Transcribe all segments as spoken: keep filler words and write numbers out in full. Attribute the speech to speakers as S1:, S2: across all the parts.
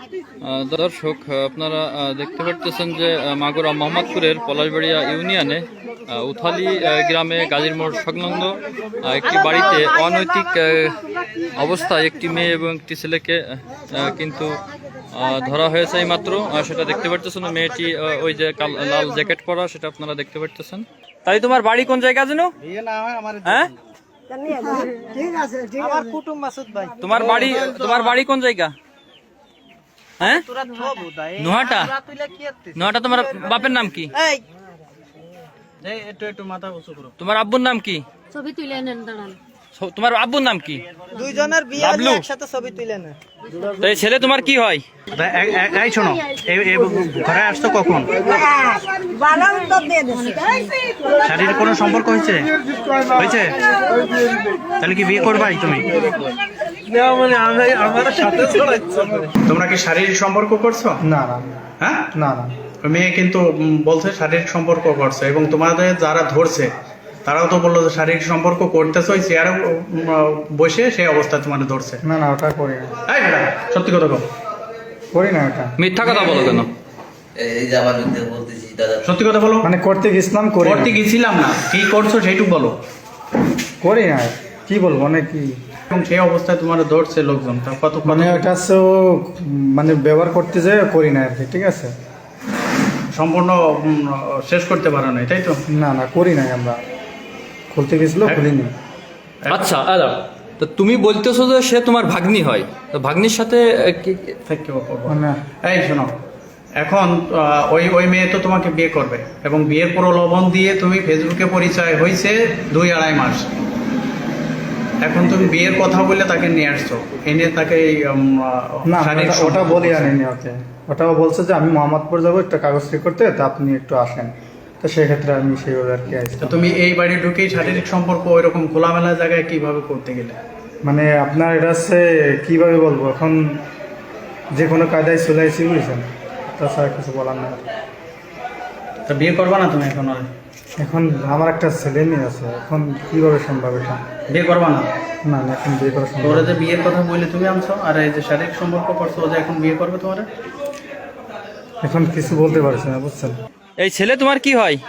S1: আহ, দর্শক আপনারা আহ, দেখতে পাচ্ছেন যে আহ, মাগুরা মোহাম্মদপুরের পলাশবাড়িয়া ইউনিয়নে আহ, উথালি আহ, গ্রামে গাজীর মোড় সংলগ্ন আহ, একটি বাড়িতে অনৈতিক আহ, অবস্থায় একটি মেয়ে এবং একটি ছেলেকে আহ, কিন্তু আহ, ধরা হয়েছে এই মাত্র সেটা দেখতে পাচ্ছেন। মেয়েটি আহ, ওই যে কাল- লাল জ্যাকেট পরা, সেটা আপনারা দেখতে পাচ্ছেন। তাই তোমার বাড়ি কোন জায়গা যেন? হ্যাঁ, তোমার বাড়ি তোমার বাড়ি কোন জায়গা? হ্যাঁ, নোহাটা। নোহাটা। তোমার বাপের নাম কি? তোমার আব্বুর নাম কি?
S2: ছবি তুলে নেন, দাঁড়ান।
S1: ছ- তোমার আব্বুর নাম কি?
S3: দুইজনের বিয়ে
S1: বাবলু।
S3: একসাথে ছবি তুলে নেন।
S1: তো এই ছেলে তোমার কি হয়?
S4: এই শোনো, এই এই ঘরে আসছো কখন? শারীরিক কোনো সম্পর্ক হয়েছে হয়েছে তাহলে কি বিয়ে করবাই তুমি? তোমরা কি শারীরিক সম্পর্ক করছো?
S5: না না
S4: হ্যাঁ,
S5: না না
S4: মেয়ে কিন্তু উম, বলছে শারীরিক সম্পর্ক করছে, এবং তোমাদের যারা ধরছে তারাও তো বললো যে শারীরিক সম্পর্ক করতেছো, ওই চেয়ারে বসে সেই অবস্থায় তোমার ধরছে।
S5: না না ওটা করি না,
S4: এই বেটা, সত্যি কথা বল,
S5: করি না ওটা।
S1: মিথ্যা কথা বলো কেন?
S6: এই যে আমার মিথ্যে বলতেছি দাদা।
S4: সত্যি কথা বলো।
S5: মানে করতে গেছিলাম, করি
S4: করতে
S5: না।
S4: গেছিলাম না, কি করছো সেইটুকু বলো।
S5: করি না, কি বলবো মানে কি,
S4: এবং সেই অবস্থায় তোমার ধরছে লোকজন, তা কত
S5: মানে ওটা হচ্ছে ও, মানে ব্যবহার করতে যে করি না আর কি, ঠিক আছে।
S4: সম্পূর্ণ উম, শেষ করতে পারো না, তাই তো?
S5: না না করি নাই, আমরা খুলতে গেছিল, খুলিনি।
S1: আচ্ছা, আচ্ছা, তো তুমি বলতেছো যে সে তোমার ভাগ্নি হয়, তো ভাগ্নির সাথে আহ, কি-
S4: Thank you, অপূর্ব।
S5: মানে
S4: এই শোনো, এখন আহ, ওই ওই মেয়ে তো তোমাকে বিয়ে করবে, এবং বিয়ের প্রলোভন দিয়ে তুমি ফেসবুকে পরিচয় হয়েছে দুই আড়াই মাস। এখন তুমি বিয়ের কথা বলে তাকে নিয়ে আসছো, এনে তাকে এই, উম,
S5: না
S4: শারীরিক
S5: ওটা- ওটা
S4: সম্পর্ক
S5: বলি
S4: করছো।
S5: আনিনি ওকে। ওটাও বলছে যে আমি মোহাম্মদপুর যাবো একটা কাগজ ঠিক করতে, তা আপনি একটু আসেন। তো সেক্ষেত্রে আমি সেইভাবে আর কি
S4: তো
S5: আসতাম।
S4: তুমি এই বাড়ি ঢুকেই শারীরিক সম্পর্ক ওইরকম খোলামেলা জায়গায় কিভাবে করতে গেলে?
S5: মানে আপনার এটা হচ্ছে কীভাবে বলবো, এখন যে কোনো কায়দায় চলে আসছি, বুঝছেন, তাছাড়া কিছু বলার না।
S4: তা বিয়ে করবা না তুমি এখন? আর
S5: এখন আমার একটা ছেলে মেয়ে আছে, এখন কিভাবে সম্ভব এটা?
S4: বিয়ে করবা না?
S5: না না, এখন বিয়ে করা সম্ভব
S4: তোরা
S5: না।
S4: যে বিয়ের কথা বলে তুমি আনছো, আর এই যে শারীরিক সম্পর্ক করছো, ও যে এখন বিয়ে করবে তোমার?
S5: এখন কিছু বলতে পারছি না, বুঝছেন।
S1: এই ছেলে তোমার কি হয়?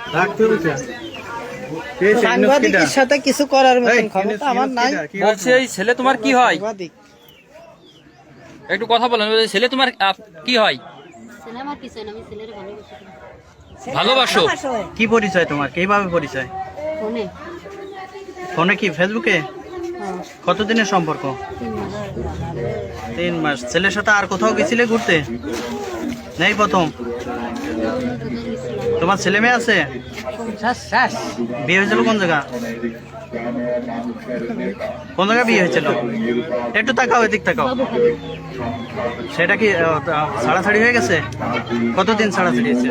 S3: সাংবাদিকের সাথে কিছু করার মতন ক্ষমতা আমার নাই।
S1: বলছে এই ছেলে তোমার কি হয়?
S3: সাংবাদিক
S1: একটু কথা বলেন। এই ছেলে তোমার আহ, কি হয়?
S2: ছেলে আমার কিছু না, আমি ছেলের
S1: ভালোবাসো?
S2: ভালোবাসি।
S4: কি পরিচয় তোমার, কিভাবে পরিচয়?
S2: ফোনে।
S4: ফোনে কি, ফেসবুকে?
S2: হ্যাঁ,
S4: কতদিনের সম্পর্ক?
S2: তিন মাস।
S4: তিন মাস। ছেলের সাথে আর কোথাও গেছিলে ঘুরতে? নেই, প্রথম? তোমার ছেলে মেয়ে আছে? বিয়ে হয়েছিল কোন জায়গা? কোন জায়গায় বিয়ে হয়েছিল? একটু তাকাও, এদিক তাকাও। সেটা কি আহ, আহ, ছাড়াছাড়ি হয়ে গেছে? কতদিন ছাড়াছাড়ি হয়েছে?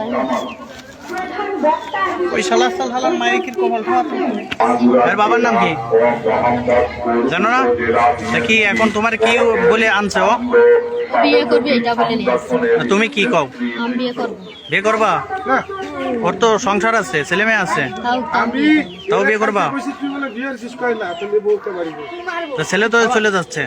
S4: ওই শালা সাল হালার মায়ের কি কমল খাওয়াতো? এর বাবার নাম কি জানো না? তা কি এখন তোমার কি বলে আনছে ও?
S2: বিয়ে করবি এটা বলে নিয়ে আসছি।
S4: তুমি কি কও?
S2: আমি বিয়ে করবো।
S4: বিয়ে করবা? ওর তো সংসার আছে, ছেলে মেয়ে আছে,
S2: তাও তাও বিয়ে করবো।
S4: তাও বিয়ে করবা? তা ছেলে তো চলে যাচ্ছে।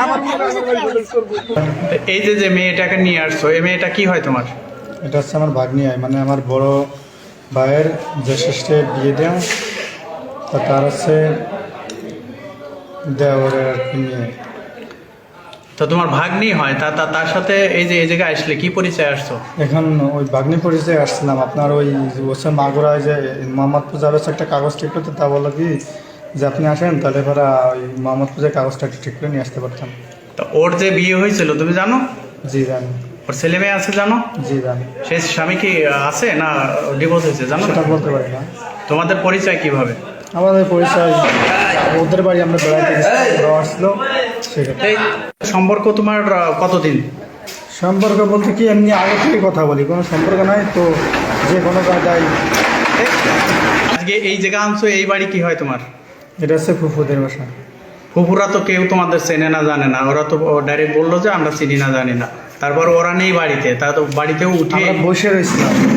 S4: এই যে যে মেয়েটাকে নিয়ে আসছো, এই মেয়েটা কি হয় তোমার?
S5: এটা হচ্ছে আমার ভাগ্নি হয়, মানে আমার বড় ভাইয়ের যে শেষে বিয়ে দেওয়া, তা তার হচ্ছে দেওয়ারের আর কি মেয়ে।
S4: তো তোমার ভাগ্নি হয়, তা তা- তার সাথে এই যে এই জায়গায় আসলে কি পরিচয় আসছো?
S5: এখন ওই ভাগ্নি পরিচয় আসছিলাম, আপনার ওই হচ্ছে মাগুরায় যে মোহাম্মদপুর যাবে হচ্ছে একটা কাগজ ঠিক করতে, তা বললো কি যে আপনি আসেন, তাহলে এবার ওই মোহাম্মদপুরের কাগজটা একটু ঠিক করে নিয়ে আসতে পারতাম।
S4: তো ওর যে বিয়ে হয়েছিল তুমি জানো?
S5: জি জানি।
S4: ওর ছেলে মেয়ে আছে জানো?
S5: জি জানি।
S4: সে স্বামী কি আছে না ডিভোর্স হয়েছে জানো?
S5: সেটা বলতে পারি না।
S4: তোমাদের পরিচয় কিভাবে?
S5: আমাদের পরিচয় ওদের বাড়ি আমরা বেড়াতে গেছিলাম, ওরাও আসলো, সেক্ষেত্রে।
S4: এই সম্পর্ক তোমার আহ, কতদিন?
S5: সম্পর্ক বলতে কি এমনি আগে থেকে কথা বলি, কোনো সম্পর্ক নাই তো, যে কোনো কায়দায়।
S4: আজকে এই জায়গা আনছো, এই বাড়ি কি হয় তোমার?
S5: এটা হচ্ছে ফুফুদের বাসা।
S4: ফুপুরা তো কেউ তোমাদের চেনে না, জানে না, ওরা তো ডাইরেক্ট বললো যে আমরা চিনি না জানি না, তারপর ওরা নেই বাড়িতে, তা তো বাড়িতেও উঠে
S5: আমরা বসে রয়েছিলাম।